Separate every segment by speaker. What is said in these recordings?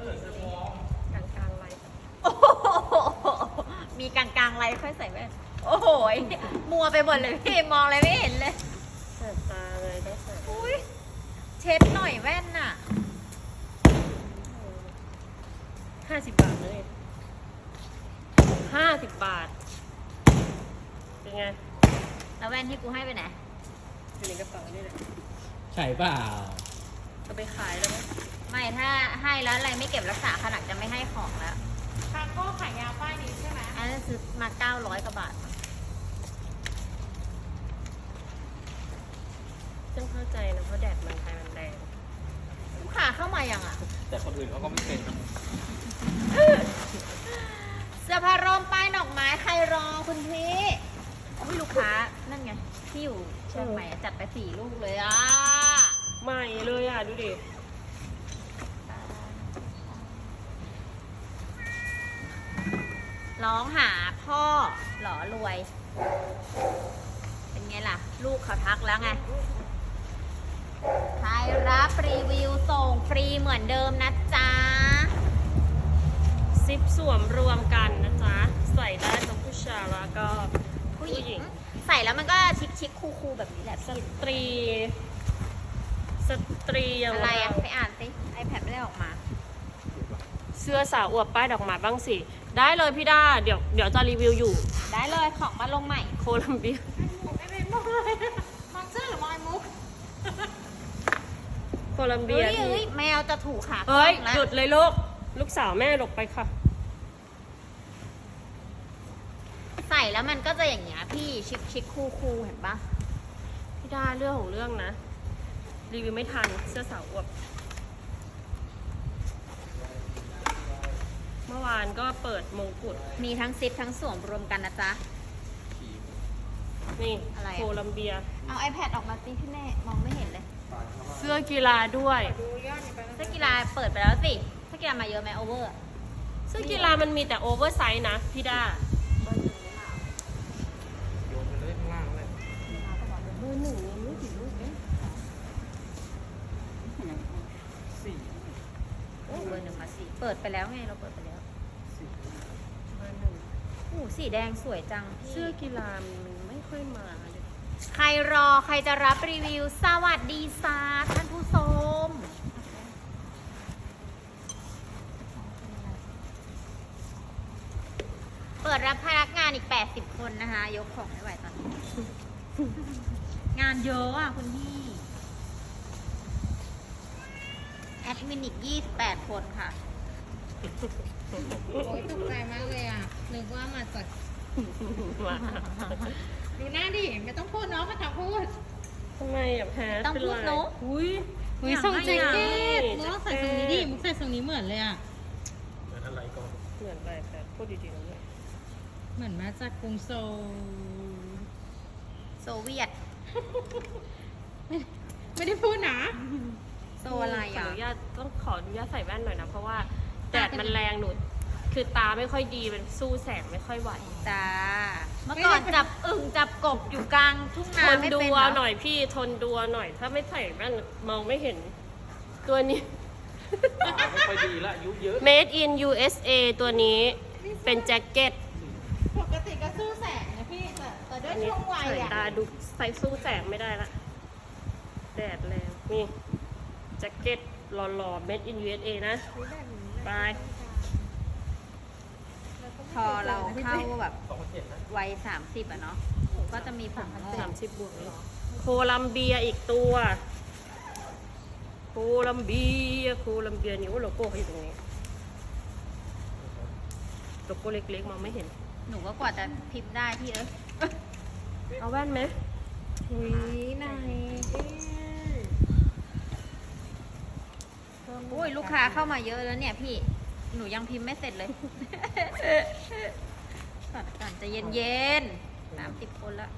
Speaker 1: กลางกลางไร
Speaker 2: โอ้โหมีกลางๆไรค่อยใส่แว่นโอ้โหมัวไปหมดเลยพี่มองอะไรไม่เห็นเลย
Speaker 1: แสบตาเลยได้ใส่
Speaker 2: อุ้ยเช็ดหน่อยแว่นน่ะ
Speaker 1: 50 บาทเลย50 บาทเป็นไง
Speaker 2: แล้วแว่นที่กูให้ไปไหน
Speaker 1: อยู่ในกระเป๋านี่แหละ
Speaker 3: ใช่เปล่า
Speaker 1: จะไปขายแล้วไหม
Speaker 2: ไม่ถ้าให้แล้วอะไรไม่เก็บรักษาขนาดจะไม่ให้ของแล้ว
Speaker 4: ทางก็ขายยาป้ายนี้ใช่ไหม
Speaker 2: อันนั้นซื้อมา900 กว่าบาท
Speaker 1: ฉันเข้าใจนะเพราะแดดเมืองไทยมันแรง
Speaker 2: ลูกค้าเข้ามายังอ่ะ
Speaker 3: แต่คนอื่นเขาก็ไม่เป็นนะ
Speaker 2: เสื้อผ้าร่มป้ายดอกไม้ใครรอคุณพี่อุ้ยลูกค้านั่นไงที่อยู่เชียงใหม่อะจัดไป4 ลูกเลยอ่ะ
Speaker 1: ใหม่เลยอ่ะ ดูดิ
Speaker 2: ร้องหาพ่อหล่อรวย เป็นไงล่ะ ลูกเขาทักแล้วไง ใครรับรีวิวส่งฟรีเหมือนเดิมนะจ๊ะ
Speaker 1: ซิปสวมรวมกันนะจ๊ะ ใส่ได้ทั้งผู้ชายแล้วก็
Speaker 2: ผู้หญิงใส่แล้วมันก็ชิคๆคูลๆแบบนี้แหละ
Speaker 1: ส
Speaker 2: พี่
Speaker 1: ตรี สตรีอย่าง
Speaker 2: อะไร
Speaker 1: เรา
Speaker 2: อ่ะ ไปอ่านสิ iPad ไม่ได้ออกมา
Speaker 1: เสื้อสาวอวบป้ายดอกไม้บ้างสิ ได้เลยพี่ด้า เดี๋ยวจะรีวิวอยู่
Speaker 2: ได้เลยของมาลงใหม่
Speaker 1: โคลัมเบีย
Speaker 4: ไม่เป็นมองเลยมองเสื้อหรือมองไอ้มุก
Speaker 1: โคลัมเบี
Speaker 2: เฮ้
Speaker 1: ย
Speaker 2: ย
Speaker 1: ที่
Speaker 2: เฮ้ยแมวจะถูกขา
Speaker 1: เฮ้ย
Speaker 2: แล้ว
Speaker 1: หยุดเลยลูก ลูกสาวแม่หลบไปค่ะ
Speaker 2: ใส่แล้วมันก็จะอย่างเงี้ยพี่ชิคๆคูลๆเห็นปะ
Speaker 1: พี่ด้าเรื่องของเรื่องนะ รีวิวไม่ทันเสื้อสาวอวบ เมื่อวานก็เปิดมงกุฎ
Speaker 2: มีทั้งซิปทั้งสวมรวมกันนะจ๊ะ
Speaker 1: นี่
Speaker 2: อะไรอะ
Speaker 1: โคลัมเบีย
Speaker 2: เอา iPad ออกมาสิพี่แม่มองไม่เห็นเลย
Speaker 1: เสื้อกีฬาด้วย
Speaker 4: ดูยอดนี่ไป
Speaker 2: เสื้อกีฬาเปิดไปแล้วสิเสื้อกีฬามาเยอะไหมโอเวอร์
Speaker 1: เสื้อกีฬามันมีแต่โอเวอร์ไซส์นะพี่ด้า
Speaker 3: โยนไปเลยข้างล่างเลย
Speaker 1: เบอร์ 1ยังไม่ถึงลูกเอง
Speaker 3: สี่
Speaker 2: โอ้เบอร์ 1 มาสิเปิดไปแล้วไงเราเปิดไปแล้ว
Speaker 1: เบอร์
Speaker 2: โอ้สีแดงสวยจัง
Speaker 1: 1
Speaker 2: พี่
Speaker 1: เสื้อกีฬามันไม่ค่อยมาเลย
Speaker 2: ใครรอใครจะรับรีวิว สวัสดีซาท่านผู้ชมเปิดรับพนักงานอีก 80 คนนะคะ ยกของไม่ไหวตอนนี้ งานเยอะอ่ะคุณพี่ แอดมินอีก 28 คนค่ะ
Speaker 4: โอ้ยตกใจมากเลยอ่ะ นึกว่ามาจาก
Speaker 1: มา
Speaker 4: ดูหน้าดิ ไม่ต้องพูดเนาะมาทำพูด
Speaker 1: ทำไมอ่ะแพ้
Speaker 2: ต้องพูดเนอะ
Speaker 1: อุ้ย
Speaker 4: เฮ้ยส่งแจ็คเก็ต
Speaker 1: อยากให้
Speaker 4: มุกต้องใส่ทรงนี้ดิ มุกใส่ทรงนี้เหมือนเลยอ่ะ
Speaker 3: เหมือนอะไรก่อน
Speaker 1: เหมือนไปแต่พูดดีๆนะเนี่ย
Speaker 4: เหมือนมาจากกรุงโซล
Speaker 2: โซเวียต
Speaker 4: ไม่ได้พูดนะ
Speaker 2: โซอะไร
Speaker 1: ขอ
Speaker 2: อ่ะ
Speaker 1: อนุญาตต้องขออนุญาตใส่แว่นหน่อยนะ เพราะว่าแดดมันแรงหนูคือตาไม่ค่อยดีมันสู้แสงไม่ค่อยไหว
Speaker 2: จ้า เมื่อก่อนจับอึ่งจับกบอยู่กลางทุ่ง
Speaker 1: ท
Speaker 2: นาน ไม่
Speaker 1: ดู
Speaker 2: เป็น
Speaker 1: เอา
Speaker 2: เห
Speaker 1: ห
Speaker 2: ร
Speaker 1: น่
Speaker 2: อ
Speaker 1: อยพี่ทนดูเอาหน่อย ถ้าไม่ใส่แว่นมองไม่เห็น ตัวนี้
Speaker 3: ตาไม่ค่อยดีละอายุเยอะ
Speaker 1: Made in USA ตัวนี้เป็นแจ็คเก็ต
Speaker 4: ปกติก็สู้แสงนะพี่ แต่ด้วย
Speaker 1: อันนี้
Speaker 4: ช่วงวัย
Speaker 1: สาย
Speaker 4: อ่ะ
Speaker 1: ตาดูใส่สู้แสงไม่ได้ละแดดแรงนี่แจ็คเก็ตหล่อๆ Made in USA นะไป
Speaker 2: พอเราเข้าแบบ
Speaker 3: 2,700นะ
Speaker 2: วัย30อ่ะเนาะก็จะมีผมงอก
Speaker 1: 30 บวกเลยโคลัมเบียอีกตัว โคลัมเบียนี่ว่าโลโก้เขาอยู่ตรงนี้ โลโก้เล็กๆมองไม่เห็น
Speaker 2: หนูก็กว่าจะพิมพ์ได้พี่
Speaker 1: เอาแว่นไหม
Speaker 2: อุ้ยนายอุ้ยลูกค้าเข้ามาเยอะแล้วเนี่ยพี่ หนูยังพิมพ์ไม่เสร็จเลย ก่อนจะเย็นๆ30 คนละ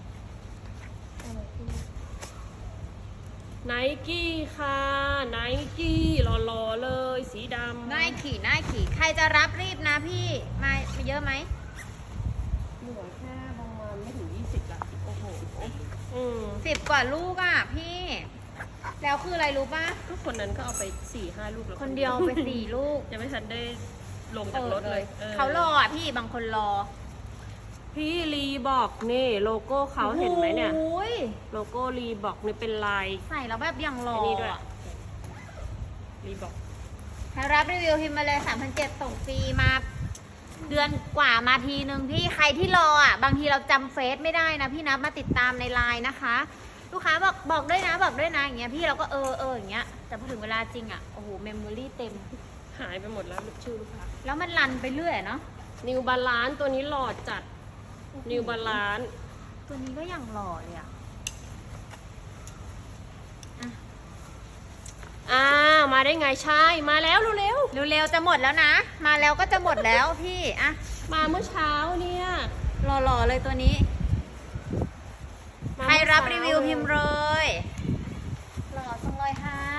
Speaker 1: ไนกี้ค่ะไนกี้หล่อๆเลยสีดำ
Speaker 2: น่ายขี่ใครจะรับรีบนะพี่ มาเยอะไหม
Speaker 1: เหลือแค่ประมาณไม่ถึง20ละโอ้โห
Speaker 2: 10 กว่าลูกอ่ะพี่แล้วคืออะไรรู้ป่ะ
Speaker 1: ทุกคนนั้นก็เอาไป4-5 ลูกแล้ว
Speaker 2: คนเดียวไป4 ลูก
Speaker 1: ยังไม่ทันได้ลงจากรถเลยออ
Speaker 2: เขารออ่ะพี่บางคนรอ
Speaker 1: พี่รีบอกนี่โลโก้เขาเห็นไหมเนี่ย
Speaker 2: โอ้ย
Speaker 1: โลโก้รีบอกนี่เป็นลาย
Speaker 2: ใส่แล้วแบบยังรอ
Speaker 1: ไอ้นี่ด้วย
Speaker 2: อ่ะ
Speaker 1: รีบอก
Speaker 2: ใครรับรีวิวพิมพ์มาเลย 3,700 ส่งฟรีมา เดือนกว่ามาทีนึงพี่ใครที่รออ่ะ บางทีเราจำเฟซไม่ได้นะพี่นะมาติดตามในไลน์นะคะ ลูกค้าบอกด้วยนะอย่างเงี้ยพี่เราก็อย่างเงี้ยแต่พอถึงเวลาจริงอ่ะโอ้โหเมมโมรี่เต็ม
Speaker 1: หายไปหมดแล้วชื่อลูกค้า
Speaker 2: แล้วมันรันไปเรื่อยเนาะ
Speaker 1: นิวบาลานตัวนี้หล่อจัดนิวบาลาน
Speaker 2: ตัวนี้ก็ยังหล่อเลยอ่ะ
Speaker 1: มาได้ไงใช่มาแล้วเร็ว
Speaker 2: เร็วๆจะหมดแล้วนะ มาแล้วก็จะหมดแล้วพี่อ่ะ
Speaker 1: ๆมาเมื่อเช้าเนี่ย
Speaker 2: หล่อๆเลยตัวนี้
Speaker 1: มา
Speaker 2: ใคร
Speaker 1: เมื่อ
Speaker 2: รับ
Speaker 1: เช้า
Speaker 2: รีวิวพิมพ์เลยหล่อจังเลยครับ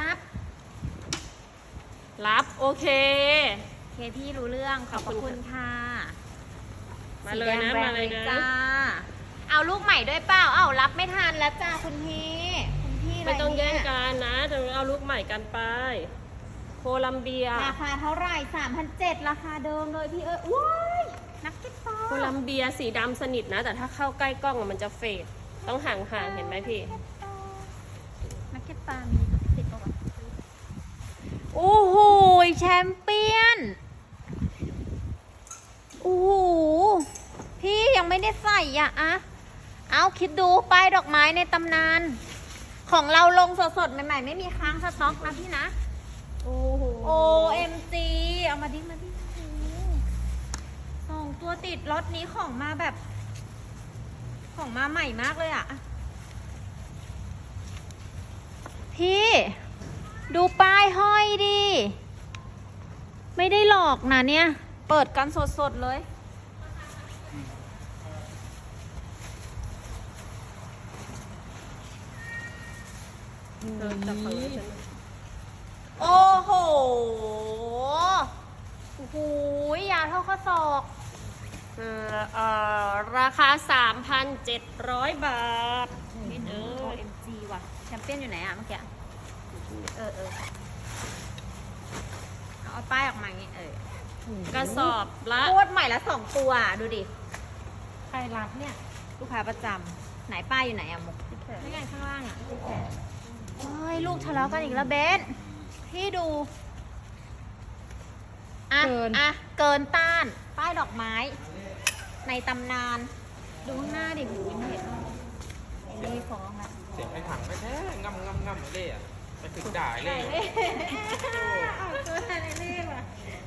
Speaker 1: รับโอเค
Speaker 2: เคพี่รู้เรื่องขอบพระคุณค่ะ
Speaker 1: มาเลยนะ
Speaker 2: สีแดงแรง
Speaker 1: มาเลยนะ
Speaker 2: จ้า เอาลูกใหม่ด้วยเปล่า เอารับไม่ทันแล้วจ้าคุณพี่คุณพี่ะร
Speaker 1: ไม่ต้องแย่ง
Speaker 2: เนี่ย
Speaker 1: กันนะจะเอาลูกใหม่กันไป โคลัมเบีย
Speaker 2: ราคาเท่าไหร่ 3,700 ราคาเดิมเลยพี่ว้ายนักเก็ตบอล
Speaker 1: โคลัมเบียสีดำสนิทนะ แต่ถ้าเข้าใกล้กล้องอะมันจะเฟดต้องห่างๆเห็นไหมพี่
Speaker 2: นักเก็ตบอลมีติดปะวะโอ้โหแชมเปี้ยน โอ้โห พี่ยังไม่ได้ใส่อ่ะเอาคิดดูป้ายดอกไม้ในตำนาน ของเราลงสดๆ ใหม่ๆ ไม่มีค้างสต็อกนะพี่นะ
Speaker 1: โอ้โห
Speaker 2: OMG เอามาดิโอ้โหส่งตัวติดรถนี้ของมาแบบ ของมาใหม่มากเลยอ่ะ พี่ ดูป้ายห้อยดิ ไม่ได้หลอกนะเนี่ย เปิดกันสดๆเลย
Speaker 1: จับฝั่งนี้ใช่ไหม
Speaker 2: โอ้โห โอ้โห ยาวเท่าข้อศอก
Speaker 1: ราคา 3,700 บาทพี่เอ้ย
Speaker 2: OMG ว่ะ แชมเปี้ยนอยู่ไหนอะเมื่อกี้ เอาป้ายออกมาอย่างงี้
Speaker 1: กระสอบละ
Speaker 2: โคตรใหม่ละ2 ตัวอะดูดิ
Speaker 4: ใครรับเนี่ย
Speaker 2: ลูกค้าประจำไหนป้ายอยู่ไหนอะมุกไม่ไงข้างล่างอะเฮ้ย ลูกทะเลาะกันอีกแล้วเบนพี่ดู
Speaker 4: เกิน
Speaker 2: เกินต้าน ป้ายดอกไม้ ในตำนาน ดูข้างหน้าดิหูยังไม่เห็นไอ้นี่ฟ้องละ
Speaker 3: เสียงไอ้ถังไม่แท้ง่ำเล่อะไปถึงด่าเล่
Speaker 4: เอาตัวทะเลเล่ว่ะ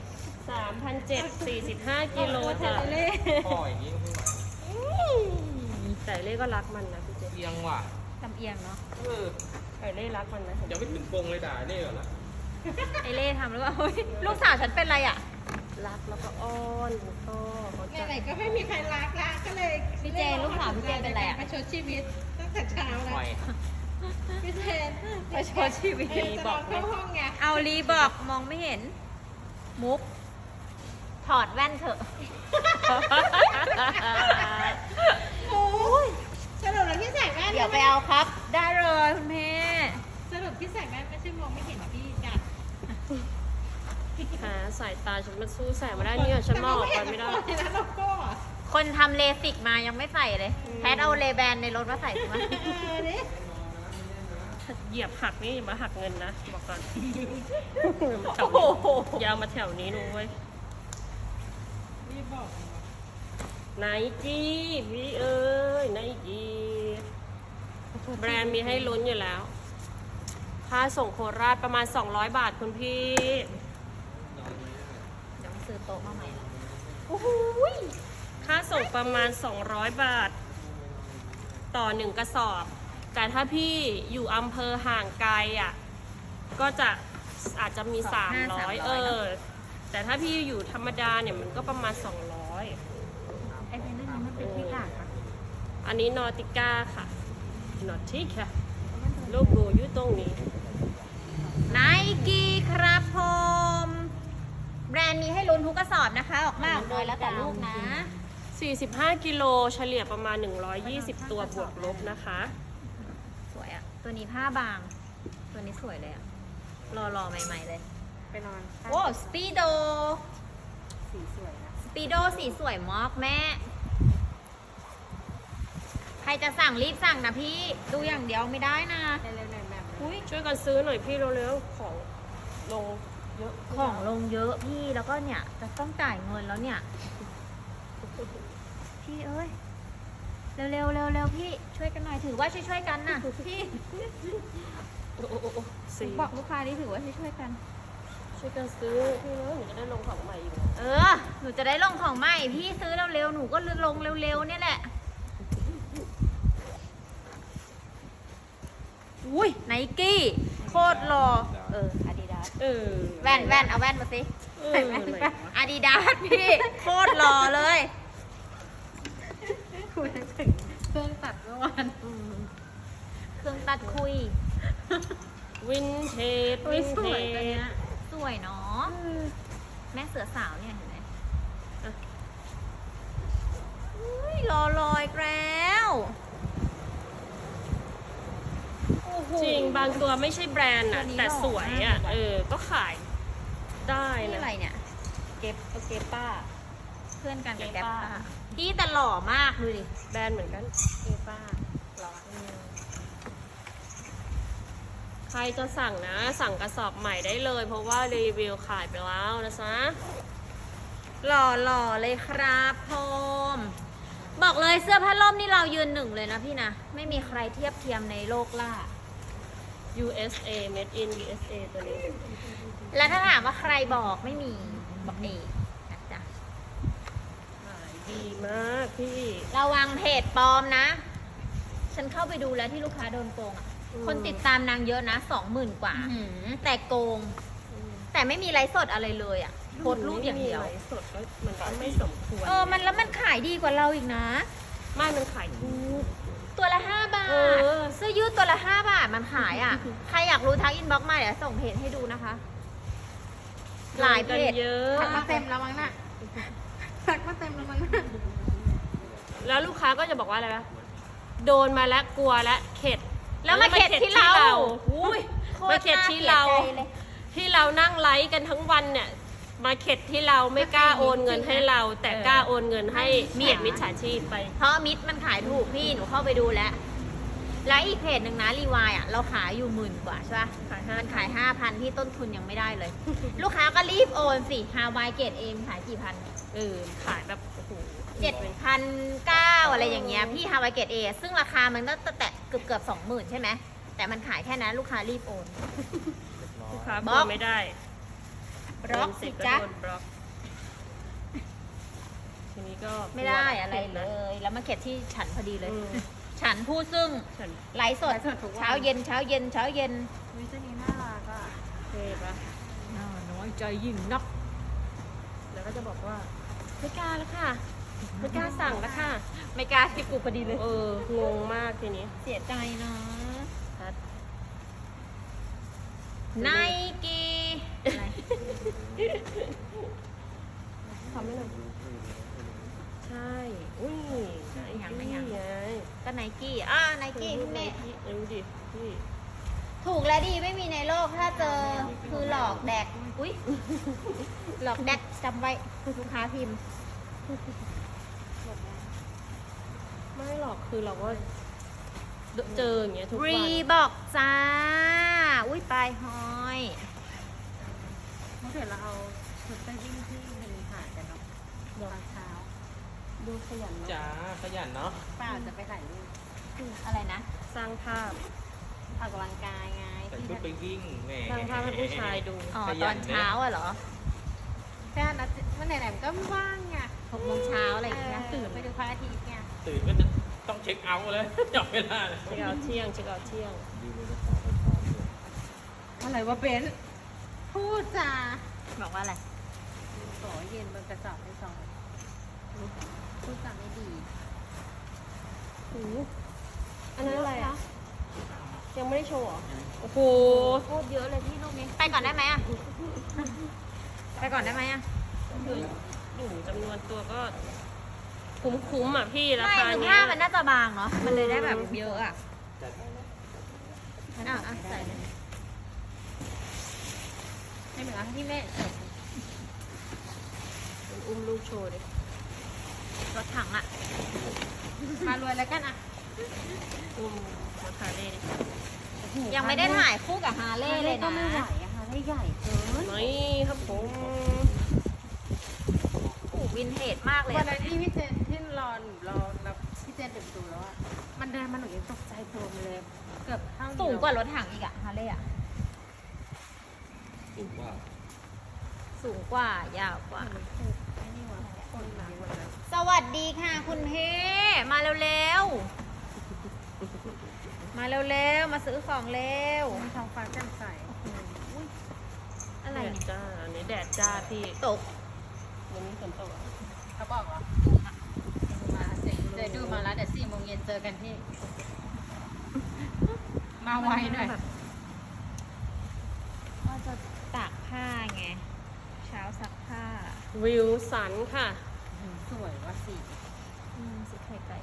Speaker 1: 3,745 กิโลจ้ะ
Speaker 4: ทะเลเล่
Speaker 3: พ่ออย่างนี้ก็ไม่ไหว
Speaker 1: แต่เล่ก็รักมันนะพี่เจ
Speaker 3: เอียงว่ะ
Speaker 2: ลำเอียงเนาะ
Speaker 1: ไก่เล่รักมันนะ
Speaker 3: ยังไม่ถึงปงเลยด่าเล่ก่อนละ
Speaker 2: ไอเล่ทำหรือเปล่าเฮ้ยลูกสาวฉันเป็นอะไรอ่ะ
Speaker 1: รักแล้วก็อ้อนก็เขาจะ
Speaker 4: ไหนๆก็ไม่มีใครรักละก็เลย
Speaker 2: พี่เจนลูกสาวพี่เจนเป็นอะไรอะ
Speaker 4: มาชดชีวิตตั้งแต่เช้า
Speaker 3: ป
Speaker 4: แล้ว
Speaker 3: ล่อย
Speaker 4: พี่เจน
Speaker 2: ประชดชีวิต
Speaker 4: จะลองเข้าห้องไง
Speaker 2: เอารีบอกมองไม่เห็น มุก ถอดแว่นเถอะ
Speaker 4: โอ้ยสรุปแล้วที่ใส่แว่น
Speaker 2: เดี๋ยวไปเอาครับ ได้เลยคุณเพ่
Speaker 4: สรุปที่ใส่แว่นไม่ใช่มองไม่เห็นพี่จัด
Speaker 1: หาสายตาฉันมันสู้แสงไม่ได้เนี่ยฉันมองออกไปไม่ได้
Speaker 4: แต่เราก็เห็นแล้วเราก็
Speaker 2: คนทำเลสิกมายังไม่ใส่เลย แพทเอาเลแบนในรถมาใส่ใช่ไหม
Speaker 4: ดิ
Speaker 1: เหยียบหักนี่อย่ามาหักเงินนะบอกก่อน
Speaker 2: โอ้โห
Speaker 1: อยาวมาแถวนี้นู้เว้ย
Speaker 4: รีบบอก
Speaker 1: ไนกี้พี่เอ้ยไนกี้แบรนด์มีให้ลุ้นอยู่แล้ว ค่าส่งโคราชประมาณ 200 บาทคุณพี่
Speaker 2: เดี๋ยวซื้อโต๊ะมาใหม่ละ
Speaker 1: โอ้โหยค่าส่งประมาณ 200 บาท ต่อ 1 กระสอบ แต่ถ้าพี่อยู่อำเภอห่างไกลอ่ะ ก็จะอาจจะมี 300 แต่ถ้าพี่อยู่ธรรมดาเนี่ยมันก็ประมาณ 200
Speaker 2: ไอ้เพนนั่นมันเป็นที่กากปะ
Speaker 1: อันนี้นอติก้าค่ะ นอติค่ะรูปดูอยู่ตรงนี้
Speaker 2: ไนกี้ครับผมแบรนด์มีให้ลุ้นทุกกระสอบนะคะ ออกมาออกเลยแล้วแต่ลูกนะ
Speaker 1: 45 กิโลเฉลี่ยประมาณ 120 ตัวบวกลบนะคะ
Speaker 2: สวยอะตัวนี้ผ้าบางตัวนี้สวยเลยอะรอใหม่ๆเลย
Speaker 4: ไปนอน
Speaker 2: โอ้สปีโด
Speaker 4: สีสวยนะ
Speaker 2: สปีโดสีสวยมากแม่ ใครจะสั่งรีบสั่งนะพี่ ดูอย่างเดียวไม่ได้นะ
Speaker 4: เร็วๆหน่อยแบบ
Speaker 2: อุ้ย
Speaker 1: ช่วยกันซื้อหน่อยพี่เร็วๆของลงเยอะ
Speaker 2: ของลงเยอะพี่แล้วก็เนี่ย จะต้องจ่ายเงินแล้วเนี่ย พี่เอ้ย เร็วพี่ช่วยกันหน่อยถือว่าช่วยกันนะพี่
Speaker 1: โอ้โหสี
Speaker 2: บอกลูกค้านี่ถือว่าช่วยกัน
Speaker 1: ช่วยกันซื้อพี่เร็วหนูจะได้ลงของใหม่อีกนะ
Speaker 2: เออ หนูจะได้ลงของใหม่ พี่ซื้อเร็วๆ หนูก็ลงเร็วๆ เนี่ยแหละ อุ้ยไนกี้โคตรหล่ออาดิดาส
Speaker 1: เออ
Speaker 2: แว่นเอาแว่นมาสิ
Speaker 1: เออ
Speaker 2: แว่นอาดิดาสพี่โคตรหล่อเลย
Speaker 4: คุยถึงเครื่องตัดเมื่อวาน
Speaker 2: เครื่องตัดคุย
Speaker 1: วินเทจ
Speaker 4: อุ้ยสวยตัวเนี้ย
Speaker 2: สวยเนาะแม่เสือสาวเนี่ยเห็นไหมอุ้ยรอลอยแล้วโอ้โห
Speaker 1: จริงบางตัวไม่ใช่แบรนด์
Speaker 2: ตัว
Speaker 1: อะ
Speaker 2: นี้
Speaker 1: แต่สวยอะ
Speaker 2: หล่อมาก
Speaker 1: ก็ขายได้
Speaker 2: นี่
Speaker 1: นะ
Speaker 2: อะไรเนี่ย
Speaker 1: เก็บป้า
Speaker 2: เพื่อนกันกับ
Speaker 1: เก
Speaker 2: แก๊ป
Speaker 1: ป้า
Speaker 2: ป้าพี่แต่หล่อมากดูดิ
Speaker 1: แบรนด์เหมือนกันเก็บป้าหรอใครจะสั่งนะ สั่งกระสอบใหม่ได้เลย เพราะว่ารีวิวขายไปแล้วนะจ๊ะ
Speaker 2: หล่อเลยครับพมบอกเลยเสื้อผ้าล่มนี่เรายืนหนึ่งเลยนะพี่นะ ไม่มีใครเทียบเทียมในโลกล่า
Speaker 1: USA made in USA ตัวนี้
Speaker 2: แล้วถ้าถามว่าใครบอกไม่มีบอกเองนะจ๊ะ
Speaker 1: ขายดีมากพี่
Speaker 2: ระวังเพจปลอมนะ ฉันเข้าไปดูแล้วที่ลูกค้าโดนโกงอะ
Speaker 1: อืม
Speaker 2: คนติดตามนางเยอะนะ 20,000 กว่า แต่โกง แต่ไม่มีไลฟ์สดอะไรเลยอ่ะโพสต์รูปอย่างเดียว
Speaker 1: ไม่มีไลฟ์สดก็มันก็ไม่สมควร
Speaker 2: มันแล้วมันขายดีกว่าเราอีกนะ
Speaker 1: ไม่มันขายถูก
Speaker 2: ตัวละ5 บาท
Speaker 1: เออ
Speaker 2: เสื้อยืดตัวละ5 บาทมันขายอ่ะ ใครอยากรู้ทักอินบ็อกซ์มาเดี๋ยวส่งเพจให้ดูนะคะ หลายเพจ
Speaker 1: เยอะ
Speaker 4: ทักมาเต็มแล้วมั้งน่ะทักมาเต็มแล้วมั้งน่ะ
Speaker 1: แล้วลูกค้าก็จะบอกว่าอะไรวะโดนมาแล้วกลัวแล้วเข็ด
Speaker 2: แล้วมาเข็ดที่เรา
Speaker 1: อุ้ย
Speaker 2: โคต
Speaker 1: มาเข็ดที่เรา
Speaker 2: น่สียใจลย
Speaker 1: ที่เรานั่งไลฟ์กันทั้งวันเนี่ย มาเข็ดที่เราไม่กล้าโอนเงินให้เรา แต่กล้าโอนเงินให้เมียมิจฉาชีพไป
Speaker 2: เพราะมิตรมันขายถูกพี่หนูเข้าไปดูแล้ว แล้วอีกเพจหนึ่งนะรีวายอ่ะเราขายอยู่10,000 กว่าใช่ปะ
Speaker 1: ขาย5,000
Speaker 2: มันขาย 5,000 ที่ต้นทุนยังไม่ได้เลย ลูกค้าก็รีบโอนสิฮาวายเกตเอมขายกี่พัน
Speaker 1: ขายแบบโอ้โห
Speaker 2: 7,900อะไรอย่างเงี้ยพี่ฮาวายเกตเอซึ่งราคามันก็แตะเกือบ 20,000 ใช่ไหมแต่มันขายแค่นั้นลูกค้ารีบโอน
Speaker 1: ลูกค้า
Speaker 2: บล็อก
Speaker 1: ไม่ได้
Speaker 2: บล็อกสิ
Speaker 1: โดน
Speaker 2: จ๊ะ
Speaker 1: ก็โดนบล็อกทีนี้ก็
Speaker 2: ไม่ได้อะไรเลย แล้วมาเก็บที่ฉันพอดีเลย
Speaker 1: อืม
Speaker 2: ฉันผู้ซึ่ง
Speaker 1: ฉัน
Speaker 2: ไลฟ์สดเช้าเย็น
Speaker 4: วิตัวนี้น่ารักอ่ะ
Speaker 1: เทปะ
Speaker 2: น้อยใจยิ่งนัก
Speaker 1: แล้วก็จะบอกว่าไม่กล้าแล้วค่ะไม่กล้าสั่งแล้วค่ะ
Speaker 2: ไม่กล้าที่กูพอดีเลย
Speaker 1: งงมากทีนี้
Speaker 2: เสียใจนะ
Speaker 1: ชัด
Speaker 2: ไนกี้
Speaker 1: ทำไม่หน่อยใช่ อุ้ยไง
Speaker 2: ก็ไนกี้ไนกี้คุณแม่
Speaker 1: ดูดิพี่
Speaker 2: ถูกและดีไม่มีในโลกถ้าเจอคือหลอกแดก อุ้ยหลอกแดกจำไว้ลูกค้าพิมพ์
Speaker 1: ไม่หรอกคือเราก็เจออย่างเงี้ยทุกวัน
Speaker 2: รีบอกจ้า อุ้ยปลายห้อย
Speaker 4: เมื่อเดี๋ยวเราเอาชุดไปวิ่งที่มีหาดกันเนาะตอนเช้า
Speaker 1: ดูขยันเนอะ
Speaker 3: จ๋าขยันเนาะ
Speaker 4: ป้าจะไปถ่ายรูป
Speaker 2: อะไรนะ
Speaker 1: สร้างภาพ
Speaker 4: ออกกำลังกายไง
Speaker 3: ใส่ชุดไปวิ่งแหม
Speaker 1: สร้างภาพให้ผู้ชายดู
Speaker 2: อ๋อ
Speaker 3: ข
Speaker 2: ต
Speaker 3: ยั
Speaker 2: อน นเช้าอะเหรอ
Speaker 4: แค่นัดวันไหนๆมันก็ว่างไง
Speaker 2: 6 โมงเช้าอะไรอย่างเงี้ย
Speaker 4: ตื่นไปดูพระอาทิตย์ไง
Speaker 3: ตื่นก็จะต้องเช็คเอาท์เลย จับเวลาเลย
Speaker 1: เช็คเอาท์เที่ยง
Speaker 4: อะไรวะเบนซ์พูดจ้า
Speaker 2: บอกว่าอะไร
Speaker 4: ขอเย็นบนกระสอบให้ซองพูดจาไม่ดี
Speaker 1: อันนั้นอะไรอ่ะ ยังไม่ได้โชว์เหรอ โอ้โห
Speaker 2: โคตรเยอะเลยพี่ลูกนี้ ไปก่อนได้ไหมอะไปก่อนได้ไหมอะ
Speaker 1: คืออยู่จำนวนตัวก็คุ้มๆอ่ะพี่รา
Speaker 2: ไม่
Speaker 1: คา
Speaker 2: คือ
Speaker 1: เนี้
Speaker 2: ผ้าย มันน่าจะบางเนาะ มันเลยได้แบบเยอะอะ
Speaker 3: จัด
Speaker 2: อ่ะใส่เลย
Speaker 4: ให้เหมือนที่แม่ใส่
Speaker 1: มันอุ้มลูกโชว์ดิ
Speaker 2: รถถังอะ
Speaker 4: มารวยแล้วกันอ่ะ
Speaker 1: อุ้มมาคาเล่ดิ
Speaker 2: ยังไม่ได้ถ่ายคู่กับฮาร์เลย์เลย
Speaker 4: ก็
Speaker 2: นะ
Speaker 4: ไม่ไหวอะค่ะได้ใหญ่เกิน
Speaker 1: นี่ครับผม
Speaker 2: โอ้วินเทจมากเลย
Speaker 4: วัน
Speaker 2: อะ
Speaker 4: นั้นที่พี่เจนที่รอหนูรอแล้วพี่เจนเปิดประตูแล้วอ่ะมันเดินมาหนูยังตกใจตัวมันเลยเกือบเท่า
Speaker 2: สูงกว่ารถถังอีกอะฮาร์เลย์อะ
Speaker 3: ถูกว่า
Speaker 2: สูงกว่ายาวกว่า
Speaker 4: ไอ้นี่วะคนหนักวันนั้น
Speaker 2: สวัสดีค่ะคุณเพ่มาเร็วๆ มาเร็วๆ มาซื้อของเร็ว
Speaker 4: มีท้องฟ้าแจ่มใส
Speaker 2: อะไร
Speaker 1: แดด
Speaker 2: เนี่ย
Speaker 1: จ้าอันนี้แดดจ้าพี่
Speaker 2: ตก
Speaker 1: วันนี้ฝนตกอ่ะ
Speaker 4: เขาบอกเหรอมาเดี๋ยวดูมาแล้วเดี๋ยว4 โมงเย็นเจอกันที่ มาไวหน่อย
Speaker 2: แบบว่าจะตากผ้าไง เช้าซักผ้า
Speaker 1: วิวสันค่ะ
Speaker 4: สวยว่ะสิ
Speaker 2: สิไข่ไก่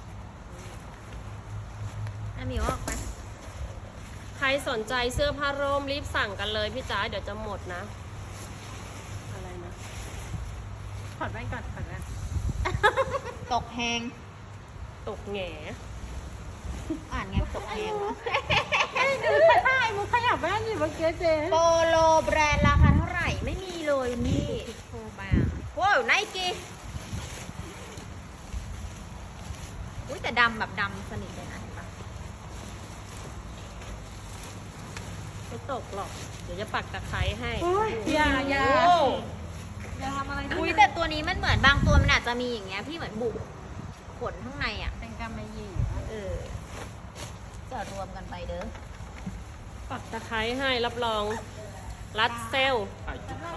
Speaker 2: อันนี้ออกไป
Speaker 1: ใครสนใจเสื้อผ้าร่มรีบสั่งกันเลยพี่จ๋าเดี๋ยวจะหมดนะ อะไรนะ
Speaker 4: ถอดแว่นก่อนถอดแว่น
Speaker 2: ตกแหง
Speaker 1: ตกแหง่
Speaker 2: อ่านไงตกแหงวะ
Speaker 4: ดูถ่ายมึงขยับแว่นอยู่เมื่อกี้เจน
Speaker 2: โปโลแบรนด์ราคาเท่าไหร่ไม่มีเลยนี่โทรมาว้าวไนกี้อุ้ยแต่ดำแบบดำสนิทเลยนะเห็นปะ
Speaker 1: ไม่ตกหรอก เดี๋ยวจะปักตะไคร้ให้
Speaker 4: อย่า
Speaker 1: โอ้
Speaker 4: อย่าทำอะไร
Speaker 2: อุ้ยแต่ตัวนี้มันเหมือนบางตัวมันอาจจะมีอย่างเงี้ยพี่เหมือนบุกขนข้างในอ่ะ
Speaker 4: เป็นกำมะหยี่
Speaker 2: จะรวมกันไปเด้อ
Speaker 1: ปักตะไคร้ให้รับรองรัดเซล
Speaker 3: ถ่ายจุดเข้า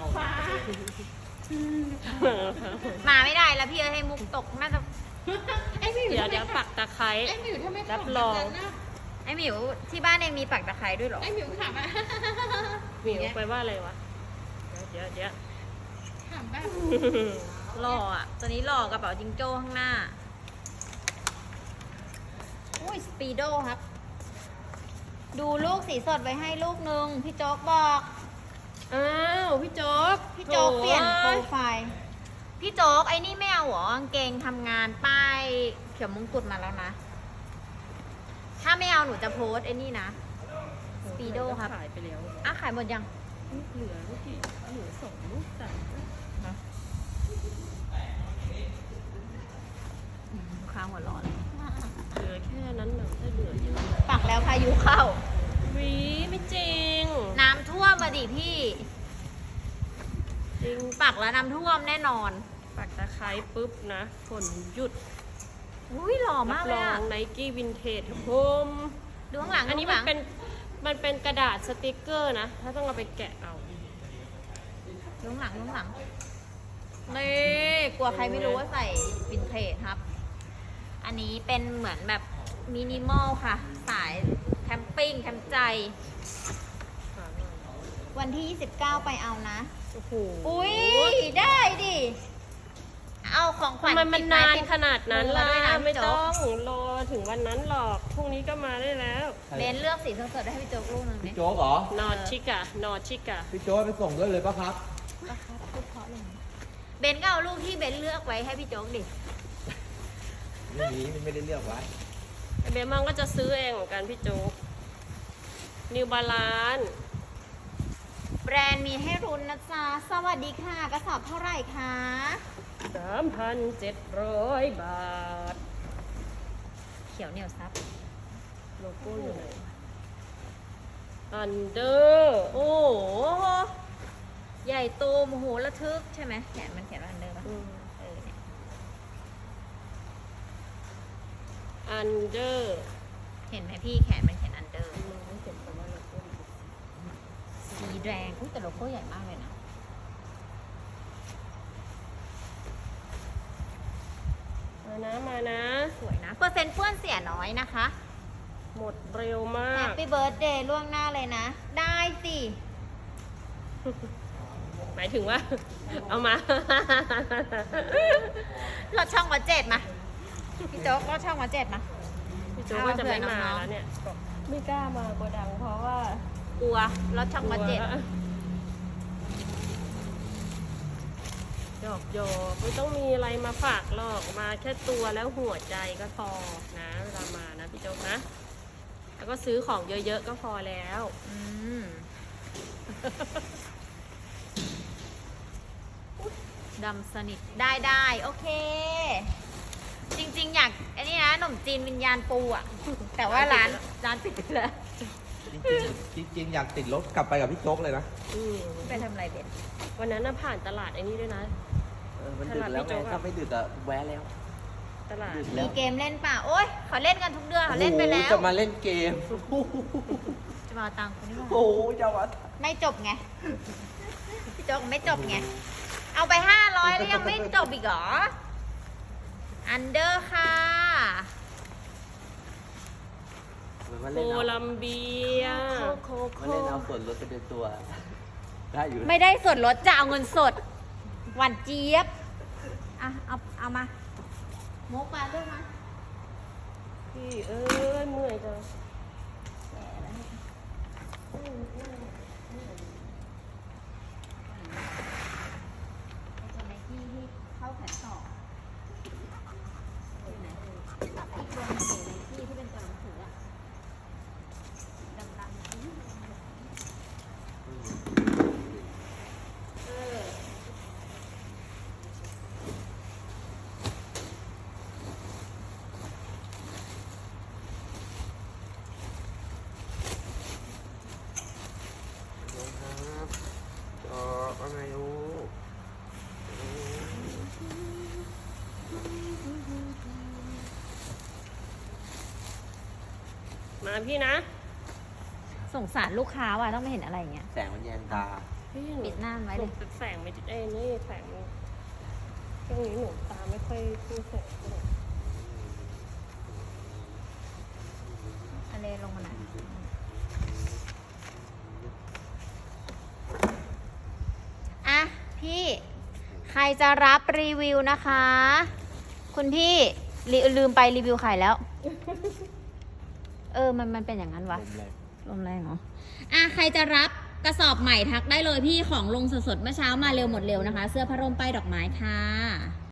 Speaker 2: มาไม่ได้แล้วพี่เอ้ยให้มุกตกน่าจะ
Speaker 4: ไอ้หมิว
Speaker 1: เดี๋ยวปักตะไคร้
Speaker 4: ไอ้หมิวทำไม
Speaker 1: รับรอง
Speaker 2: ไอหมิวที่บ้านเองมีปักตะไคร้ด้วยเหรอ
Speaker 4: ไอ้หมิวถามอะ
Speaker 1: หมิวไปว่าอะไรวะ เดี๋ยว
Speaker 4: ถามแบบ
Speaker 2: หล่ออ่ะ ตัวนี้หล่อกระเป๋าจิงโจ้ข้างหน้า อุ้ยสปีโดครับ ดูลูกสีสดไว้ให้ลูกนึง พี่โจ๊กบอก
Speaker 1: อ้าวพี่โจ๊ก
Speaker 2: พี่โจ๊กเปลี่ยนโปร
Speaker 1: โถ่
Speaker 2: ไฟล์ พี่โจ๊กไอ้นี่ไม่เอาเหรอกางเกงทำงานป้ายเขียวมงกุฎมาแล้วนะ ถ้าไม่เอาหนูจะโพสต์ไอ้นี่นะ สปีโดครับ
Speaker 1: ขายไปแล้ว
Speaker 2: อ่ะขายหมดยัง
Speaker 1: เหลือลูกกี่เหลือ2 ลูกจ้ะ
Speaker 2: ลูกค้าหัวร้อนเลย
Speaker 1: เหลือแค่นั้นเหรอถ้าเหลือเยอะ
Speaker 2: ปักแล้วพายุเข้า
Speaker 1: วิไม่จริง
Speaker 2: น้ำท่วมมาดิพี่
Speaker 1: จริง
Speaker 2: ปักแล้วน้ำท่วมแน่นอน
Speaker 1: ปักตะไคร้ปุ๊บนะฝนหยุด
Speaker 2: อุ้ยหล่อมากเลย
Speaker 1: รั
Speaker 2: อะ
Speaker 1: บรองไนกี้วินเทจครับผม
Speaker 2: ดูข้างหลัง
Speaker 1: อันนี้
Speaker 2: ดู
Speaker 1: มั
Speaker 2: ข้าน งหลัง
Speaker 1: เป็นกระดาษสติกเกอร์นะ ถ้าต้องเอาไปแกะเอา
Speaker 2: ดูข้างหลังดูข้างหลังนี่กลัวใครไม่รู้ว่าใส่วินเทจครับ อันนี้เป็นเหมือนแบบมินิมอลค่ะ สายแคมปิ้งแคมป์ใจ วันที่ 29 ไปเอานะ
Speaker 1: โอ้โห
Speaker 2: อุ้ยได้ดิ เอาของขวัญ
Speaker 1: ทำไมมัน
Speaker 2: ติด
Speaker 1: นาน
Speaker 2: ติด
Speaker 1: ขนาดนั้น
Speaker 2: มือ
Speaker 1: ล่ะ
Speaker 2: มาด้วยนะ
Speaker 1: ไม่
Speaker 2: พี่โจ๊
Speaker 1: ต้
Speaker 2: ก
Speaker 1: องรอถึงวันนั้นหรอก พรุ่งนี้ก็มาได้แล้ว
Speaker 2: เบนเลือกสีสดๆให้พี่โจ๊กลูกหนึงดิ
Speaker 5: พี่โจ๊กเหรอ
Speaker 1: นอชิกะนอชิกะ
Speaker 5: พี่โจ๊กไปส่งด้วยเลยปะครับ
Speaker 2: เบนก็เอาลูกที่เบนเลือกไว้ให้พี่โจ๊กดิ
Speaker 5: ไม่มีมันไม่ได้เลือกไว้
Speaker 1: เบมังก็จะซื้อเองเหมือนกันพี่โจ๊กนิวบาลาน
Speaker 2: แบรนด์มีให้รุนนะจ๊ะ สวัสดีค่ะ กระสอบเท่าไหร่คะ
Speaker 1: 3,700 บาท
Speaker 2: เขียวเหนียวซับ
Speaker 1: โลโก้อยู่ไหนอันเดอร์
Speaker 2: โอ้โห ใหญ่โตโมโหระทึกใช่ไหมแขนมันเขียนว่าอันเดอร์ป่ะเนี่ย
Speaker 1: อันเดอร์
Speaker 2: เห็นไหมพี่แขนมันเขียนอันเดอร์ สีแดงอุ๊ยแต่โลโก้ใหญ่มากเลยนะ
Speaker 1: มานะ
Speaker 2: สวยนะ เปอร์เซ็นต์เปื้อนเสียน้อยนะคะ
Speaker 1: หมดเร็วมา
Speaker 2: แฮ
Speaker 1: ก
Speaker 2: ปปี้เบิร์ดเดย์ล่วงหน้าเลยนะ ได้สิ
Speaker 1: หมายถึงว่า เอามา
Speaker 2: รถช่องวัดเจ็ดมา พี่โจ๊กรถช่องวัดเจ็ดมา
Speaker 1: พี่โจ๊กก็จะไม่มาแล้วเนี่ย ไม่กล้ามาโกดังเพราะว่าก
Speaker 2: ลัวรถช่องวัดเจ็ด
Speaker 1: กอกหยอกไม่ต้องมีอะไรมาฝากหรอกมาแค่ตัวแล้วหัวใจก็พอนะเวลามานะพี่โจ๊กนะ แล้วก็ซื้อของเยอะๆก็พอแล้ว
Speaker 2: อืม ดำสนิทได้โอเค จริงๆ อยากอันนี้นะขนมจีนวิญญาณปูอ่ะ แต่ว่าร้านปิดไปแล้ว
Speaker 5: จริงๆอยากติดรถกลับไปกับพี่โจ๊กเลยนะ
Speaker 1: อืม
Speaker 2: ไปทำอะไรเด็ด
Speaker 1: วันนั้นน่ะผ่านตลาดไอ้นี่ด้วยนะ
Speaker 5: มันดึกแล้วไงถ้าไม่ดึกอะแวะแล้ว
Speaker 1: ตลาด
Speaker 5: ดึกแล้
Speaker 2: มี
Speaker 5: ว
Speaker 2: เกมเล่นป่ะ โอ๊ยเขาเล่นกันทุกเดือนเขาเล่นไปแล้
Speaker 5: โอ้
Speaker 2: ว
Speaker 5: โหจะมาเล่นเกม
Speaker 2: จะมาเอาตังค์คนนี้มา
Speaker 5: โอ้โหจะมา
Speaker 2: ไม่จบไง พี่โจ๊กไม่จบไง เอาไป500แล้วยังไม่จบอีกเหรอ อันเดอร์ค่ะ
Speaker 5: มา
Speaker 1: โค
Speaker 5: เล่นเอา
Speaker 1: ลัมเบีย
Speaker 5: มาเล่นเอาส่วนลดไปเป็นตัว ได้อยู่
Speaker 2: ไม่ได้ส่วนลดจะเอาเงินสด หวานเจี๊ยบ อ่ะ เอามาโมกมาด้วยนะ
Speaker 1: พี่เอ้ยเมื่อยจัง
Speaker 2: ส่วนไหนที่เข้าแขนต่ออยู่ไหนตัดอีกตัวหนึงอยู่ในที่ที่เป็นตัวหนังสืออะดำๆเออ
Speaker 5: ครับจอว่าไงลูก
Speaker 1: มาพี่นะ
Speaker 2: สงสารลูกค้าว่ะต้องไม่เห็นอะไรอย่างเงี้ย
Speaker 5: แสงมันแยงตา
Speaker 1: พี่ห
Speaker 2: ปิดหน้ามันไว้เลย
Speaker 1: แสงไม่เอ้ยนี่แสงช่วงนี้หนูตาไม่ค่อยสู้แสงเท่าไหร่
Speaker 2: อะไรลงมาหน่อยอ่ะ พี่ ใครจะรับรีวิวนะคะ คุณพี่ลืมไปรีวิวขายแล้ว มันเป็นอย่างนั้นวะ ลมแรงเหรอ อ่ะ ใครจะรับกระสอบใหม่ทักได้เลยพี่ของลงสดๆเมื่อเช้ามาเร็วหมดเร็วนะคะ เสื้อผ้าร่มป้ายดอกไม้ค่ะ